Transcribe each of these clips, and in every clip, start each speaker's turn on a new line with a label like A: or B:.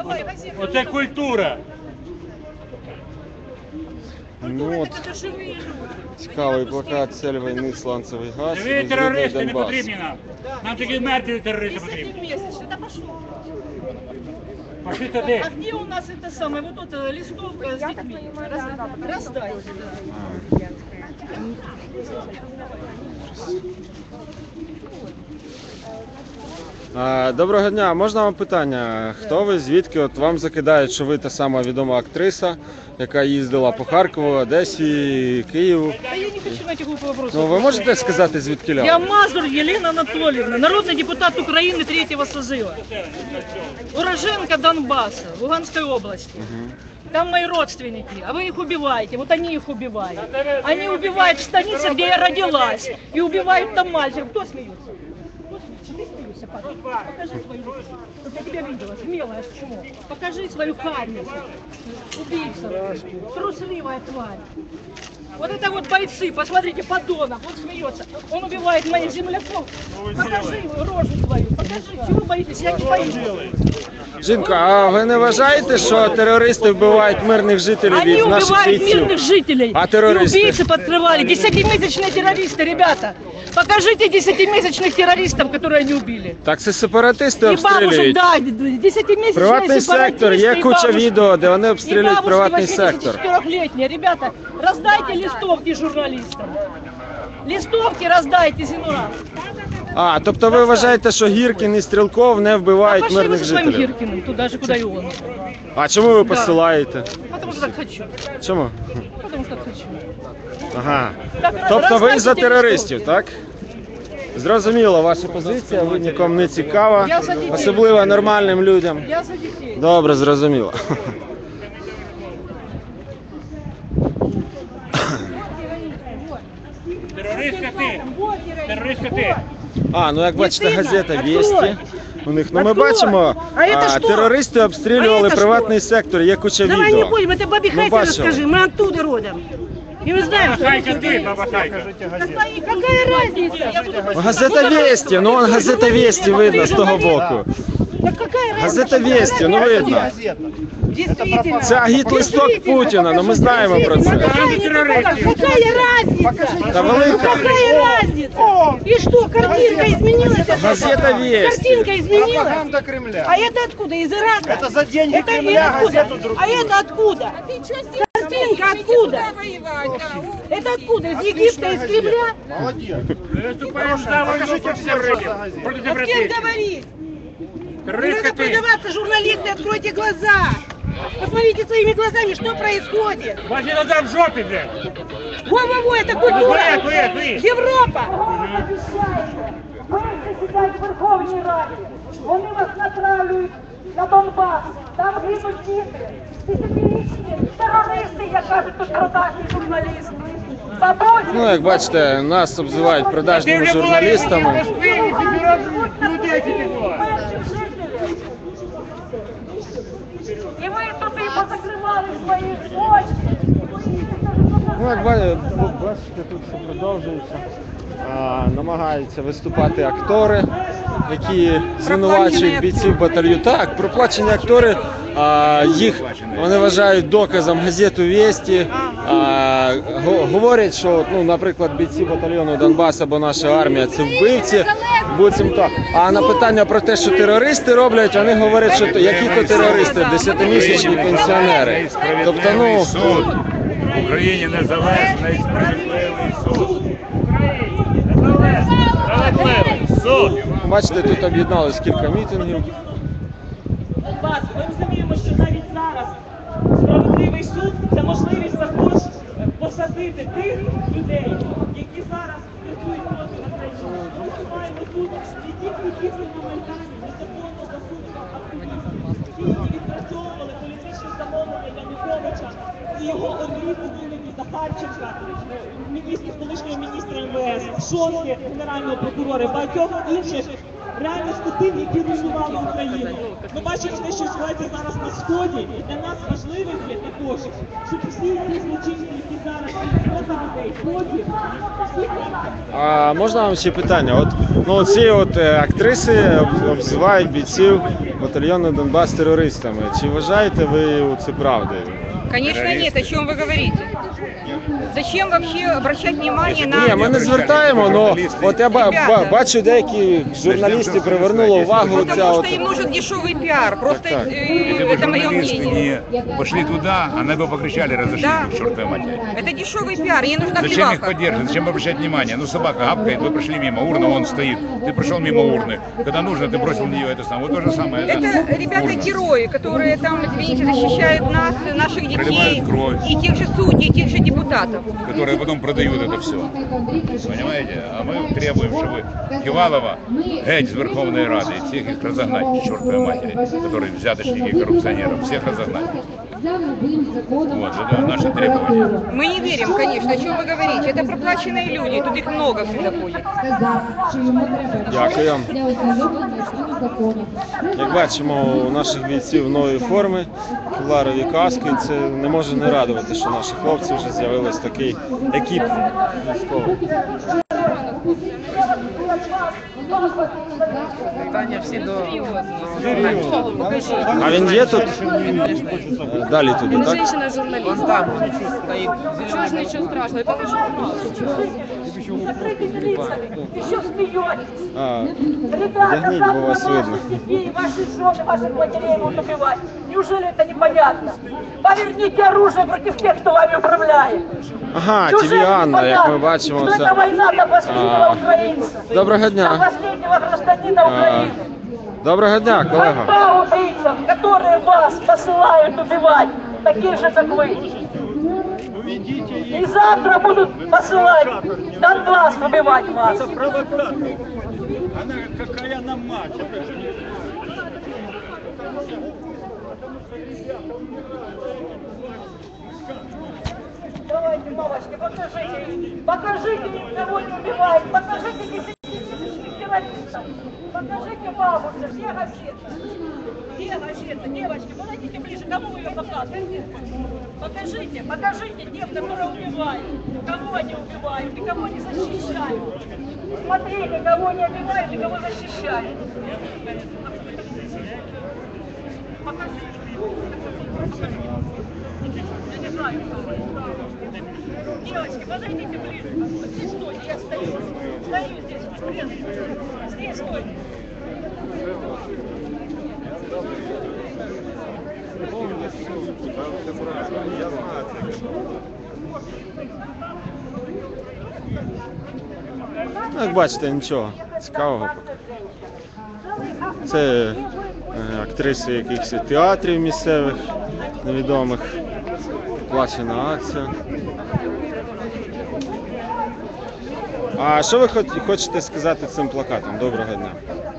A: Оце культура.
B: Ну от, цікавий плакат «Цель війни, сланцевий газ».
A: Ви терористи не потрібні нам. Нам тільки мертві терористи потрібні. Пошли туди.
C: А где у нас это самое, вот эта листовка с детьми? Раздайте.
B: Доброго дня, можна вам питання? Хто ви, звідки? От вам закидають, що ви та сама відома актриса, яка їздила по Харкову, Одесі, Києву.
C: Да я не хочу на эти глупые вопросы.
B: Ну, ви можете сказати, звідки ля?
C: Я Мазур Елена Анатольевна, народный депутат Украины третьего созыва. Уроженка Донбасса, Луганской области. Там мои родственники, а вы их убиваете, вот они их убивают. Они убивают в станице, где я родилась, и убивают там мальчиков. Кто смеется? Ты смеешься, папа? Покажи свою руку. Вот я тебя видела, смелая чмо. Покажи свою харницу. Убийца, трусливая тварь. Вот это вот бойцы, посмотрите, подонок, он смеется. Он убивает моих земляков. Покажи рожу свою, покажи. Чего вы боитесь? Я не боюсь.
B: Жінка, а ви не вважаєте, що терористи вбивають мирних жителів
C: Они
B: від наших
C: убивают
B: бійців?
C: мирных жителей.
B: А террористы?
C: И убийцы подкрывали. 10-месячные террористы, ребята. Покажите 10-месячных террористов, которые они убили.
B: Так це сепаратисти
C: И бабушек,
B: обстрілюють.
C: да, 10-месячные
B: Приватний сектор, є
C: сепаратисты, и
B: куча
C: бабушки.
B: відео, де вони
C: И
B: обстрілюють
C: бабушки
B: приватний сектор.
C: 84-летние. Ребята, раздайте листовки журналистам. Листовки раздайте, Зинура.
B: А, тобто ви вважаєте, що Гіркін і Стрілков не вбивають
C: Пошли вы
B: мирних
C: со своим
B: жителів?
C: Гиркиным, туда же, куда и он.
B: А чому ви
C: Да.
B: посилаєте?
C: Потому что так хочу.
B: Чому?
C: Потому что так хочу.
B: Ага.
C: Так,
B: Тобто ви
C: раздайте
B: за терористів,
C: листовки.
B: так? Зрозуміло, ваша позиція, ви нікому не цікава,
C: Я за дітей.
B: особливо нормальним людям.
C: Я за детей.
B: Добре, зрозуміло.
A: Терористка ти. Терористка ти.
B: А, ну як бачите, газета
C: Открой.
B: «Вєсті». У них, ну ми
C: Открой.
B: бачимо,
C: А это что?
B: терористи обстрілювали
C: А это
B: приватний сектор, є куча
D: Давай не
B: відео.
D: будем, это Бабе
B: Ну,
D: Хайке
B: бачила.
D: расскажи, мы оттуда родом. И мы знаем, что
A: Бабахайка
D: это
A: ти,
D: ты.
A: бабахайка.
D: Какая разница?
B: Газета «Вєсті», ну вон газета «Вєсті» видно з того боку.
D: Да какая разница?
B: Газета «Вєсті», ну видно.
D: Действительно.
B: Це агіт-листок Путіна, ну ми знаємо про це.
D: Какая разница?
B: Та велика.
D: Какая разница? И что, картинка изменилась?
B: Газета «Вєсті».
D: Картинка изменилась?
E: Пропаганда Кремля.
D: А это откуда? Из Ирака?
E: Это за деньги
D: Это
E: Кремля
D: откуда?
E: газету другую.
D: А это откуда? Картинка откуда? Это откуда? Из Египта, из Кремля?
E: Молодец.
A: Виступаємо за війну проти терористів. Проти
D: А с кем
A: сепаратистів.
D: говорить? Не
A: Терористка
D: надо
A: ти.
D: продаваться, журналисты, откройте глаза. Посмотрите своими глазами, что происходит.
A: Ваші назад в жопі, блядь.
D: Во-во-во, это культура.
A: Твоє.
D: Европа.
C: Ви сидять в Верховній Раді, вони вас натравлюють на Донбас, там гинуть діти, десятирічні терористи, як кажуть тут продажні журналісти. Бабусі,
B: Ну, як бачите, нас обзивають продажними журналістами.
A: Людей тільки було.
C: перших жителів. І ви туди позакривали свої очі.
B: Ну, як бачите, тут все продовжується. Намагаються виступати актори, які звинувачують бійців батальйону. Так, проплачені актори, їх вони вважають доказом газету «Вєсті». Говорять, що, ну, наприклад, бійці батальйону Донбас або наша армія – це вбивці, буцімто. А на питання про те, що терористи роблять, вони говорять, що які-то терористи, 10-місячні пенсіонери. Тобто, ну,
A: суд. В Україні незалежний справедливий суд. Справедливий суд.
B: бачите, тут об'єдналось кілька мітингів.
C: Донбас, ми розуміємо, що навіть зараз справедливий суд – це можливість також посадити тих людей, які зараз працюють проти України. Ми маємо тут не тільки дійсно моментальні, незаконно засуджених активістів, які відпрацьовували політичні замовлення Януковича і його орбіти вигляді Захарченка, колишнього міністра МВС, Шостки, генерального прокурора, багатьох інших
E: реально з тим, які руйнували Україну. Ми бачимо те, що відбувається зараз на Сході, і для нас важливим є також, щоб всі ці злочинці, які зараз проти людей, потім, всі
B: А можна вам ще питання? От, ну, ці от актриси обзивають бійців батальйону Донбас терористами. Чи вважаєте ви це правдою?
F: Конечно нет, о чем вы говорите? Зачем вообще обращать внимание на...
B: Ні, ми не звертаємо, але от я бачу, деякі журналісти привернули увагу.
F: Потому
B: Ця
F: что
B: от...
F: им нужен дешевый пиар, просто
B: Так.
A: Если бы
F: это мое
A: журналисты
F: мнение.
A: не пошли туда, они бы покричали, разошлись
F: Да.
A: бы к чертовой матери.
F: Это дешевый пиар, ей нужна
A: Зачем их
F: плеваха.
A: поддерживать? Зачем обращать внимание? Ну, собака гавкает, вы прошли мимо, урна, он стоит. Ты прошел мимо урны. Когда нужно, ты бросил в нее это самое. Вот то же самое.
F: Это ребята-герои, которые там, извините, защищают нас, наших детей,
A: Проливают кровь.
F: и тех же судей, и тех же депутатов.
A: Которые потом продают это все. Понимаете? А мы требуем, чтобы Кивалова геть с Верховной Рады и всех их разогнать к чертовой матери, которые взяточники и коррупционеры, всех разогнать. Вот, это наше требование.
F: Мы не верим, конечно, о чем вы говорите. Это проплаченные люди, тут их много всегда ходит.
B: Дякую. Як бачимо, у наших бійців нові форми, кевларові каски. Це не може не радувати, що наші хлопці вже з'явились такий екіп військовий. А він є тут? Далі туди, так?
G: Женщина-журналист. Чего ж ничего страшного? Это лишь
D: Еще смеетесь.
B: А,
D: Ребята,
B: вдягніть, бо вас видно.
D: детей, ваши жены, ваших матерей будут убивать. Неужели это непонятно? Поверните оружие против тех, кто вами управляет.
B: Ага,
D: Неужели
B: ТВ Анна, як ми
D: непонятно,
B: бачимо,
D: что
B: це...
D: это война до последнего украинца.
B: Доброго
D: До
B: дня.
D: последнего гражданина Украины.
B: Доброго дня, колего.
D: Война убийцам, которые вас посылают убивать, такие же, как вы. И завтра будут посылать Донбасс убивать вас. Давайте, мамочки, покажите, никого не убивает, покажите 10 террористов, покажите бабушке, где газета? Где газета? Девочки, подойдите ближе, кому вы ее показываете? Покажите тех, которые убивают, кого они убивают и кого не защищают. Смотрите, кого не убивают и кого защищают. Покажите. Я не знаю, кто вы. Девочки, подойдите ближе. Вот здесь стойте, я стою. Стою здесь, здесь стойте.
B: Ну, як бачите, нічого цікавого. Це актриси якихось театрів місцевих, невідомих. Плачена акція. А що ви хочете сказати цим плакатом? Доброго дня.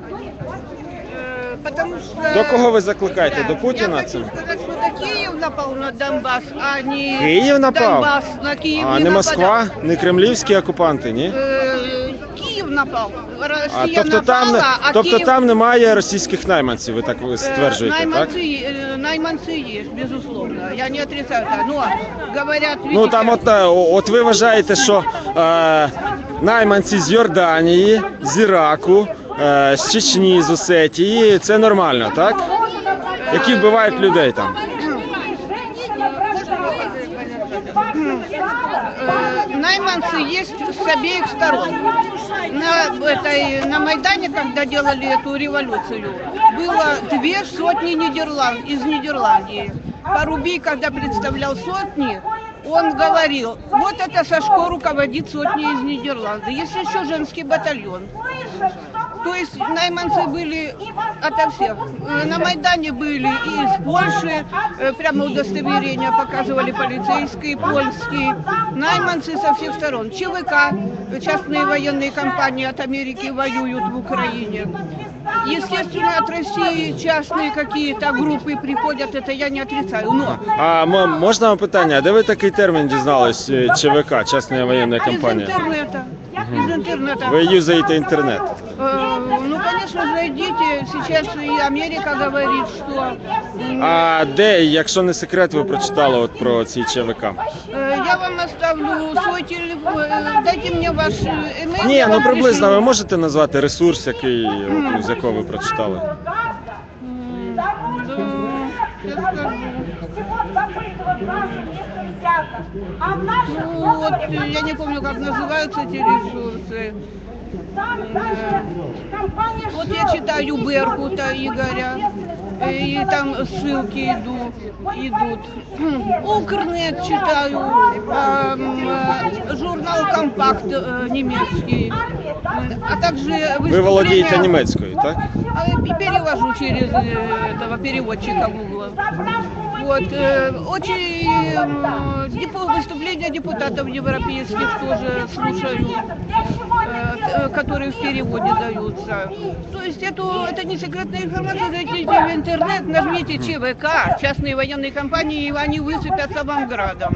H: Потому что...
B: До кого ви закликаєте? До Путіна
H: Я
B: цим?
H: хочу сказать, что это Киев напал на Донбасс, а не
B: Київ напав?
H: Донбасс на Киев
B: А
H: не
B: не
H: нападал.
B: Москва? Не кремлівські окупанти, ні?
H: Киев напал.
B: А
H: Россия
B: тобто
H: напала,
B: тобто
H: Киев...
B: там немає російських найманців, ви так стверджуєте, так?
H: Найманцы есть, безусловно. Я не отрицаю это. Но говорят,
B: Ну
H: видите,
B: там от ви вважаєте, що найманці з Йорданії, з Іраку, з Чечні, з Осетії, це нормально, так? Які вбивають людей там.
H: найманцы есть с обеих сторон. На Майдане, когда делали эту революцию, было 200 из Нидерландии. Парубий, когда представлял сотни, он говорил, вот это Сашко руководит сотней из Нидерландов. Есть еще женский батальон. То есть найманцы были ото всех. На Майдане были и из Польши, прямо удостоверения показывали полицейские, польские. Найманцы со всех сторон. ЧВК, частные военные компании от Америки воюют в Украине. Естественно, от России частные какие-то группы приходят, это я не отрицаю. Но...
B: А можна вам питання, де ви такий термін дізнались, ЧВК, частна воєнна компанія?
H: Из интернета. Из интернета.
B: Ви юзаєте інтернет?
H: Ну, конечно же, идите. Сейчас и Америка говорит, что
B: А де, якщо не секрет, ви прочитали от про ці ЧВК?
H: я вам оставлю свой телефон. Дайте мне ваш email.
B: Ні,
H: я
B: ну
H: вам
B: приблизно
H: пришлю.
B: ви можете назвати ресурс, який, от, з якого ви прочитали?
H: Да, сейчас скажу. Ну, вот, я не помню, как называются эти ресурсы. Вот я читаю Беркута Игоря, и там ссылки идут. Укрнет читаю, журнал «Компакт» немецкий, а также
B: Ви володієте
H: выступления-
B: німецькою, так?
H: Перевожу через этого переводчика Гугла. Вот, очень выступления депутатов европейских тоже слушаю, которые в переводе даются. То есть это не секретная информация, зайдите в интернет, нажмите ЧВК, частные военные компании, и они высыпятся вам градом.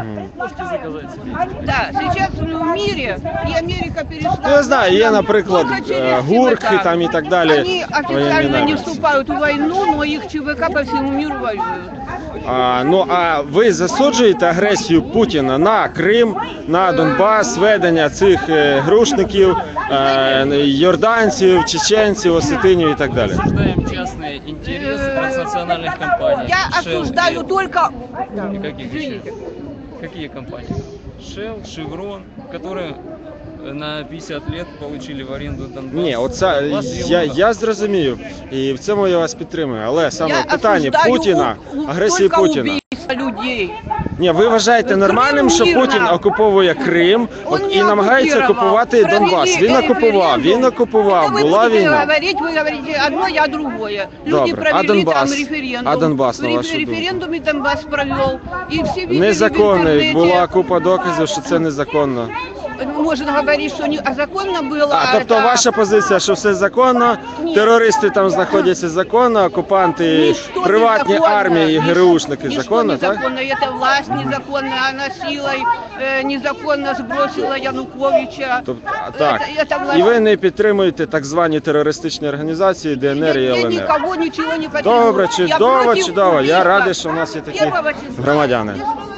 H: Да, сейчас в мире и Америка перестала...
B: Ну, я знаю, є, наприклад,
H: Только через
B: гурки
H: ЧВК.
B: там і так далі.
H: Они
B: воєнні
H: официально не
B: напрямки.
H: вступают в войну, но их ЧВК по всему миру воюют.
B: Ну а ви засуджуєте агресію Путіна на Крим, на Донбас, ведення цих грушників, йорданців, чеченців, осетинів і так далі?
G: Осуждаем частные интересы транснациональных компаний.
H: Я
G: Shell
H: осуждаю только...
G: и каких еще? Какие компании? Shell, Chevron, которые на 50 лет получили в аренду Донбасс.
B: Ні, оце
G: Донбасс и Луганск.
B: я зрозумів, і в цьому я вас підтримую. Але саме
H: Я
B: в питанні
H: осуждаю
B: Путіна, агресії
H: только
B: Путіна.
H: убийство людей.
B: Ні, ви вважаєте нормальним, що
H: Крим
B: Путін
H: мирно.
B: окуповує Крим
H: Он
B: і
H: не
B: намагається
H: оккупировал.
B: окупувати Донбас? Він окупував,
H: Это вы
B: була
H: будете
B: війна.
H: вы говорите одно, я другое. Люди
B: Добре.
H: провели
B: А Донбас?
H: там референдум.
B: А Донбас, на вашу
H: В референдуме Донбас провел. И все видели в
B: Незаконний,
H: интернете.
B: була купа доказів, що це незаконно.
H: Можно говорить, что а законно было.
B: А тобто
H: это-
B: ваша позиція, що все законно,
H: Ні.
B: терористи там знаходяться законно, окупанти,
H: Ничто
B: приватні
H: незаконно,
B: армії,
H: ничто-
B: ГРУшники
H: ничто
B: законно, так?
H: незаконно. Это власть незаконно, она силой незаконно сбросила Януковича.
B: Тобто, так.
H: Это власть.
B: І ви не підтримуєте так звані терористичні організації ДНР і
H: Я
B: ЛНР?
H: никого ничего не поддерживаю.
B: Добре,
H: Я
B: чудово,
H: против
B: чудово. Я
H: убийства
B: радий, що у нас є такі
H: первого числа.
B: громадяни.
H: Без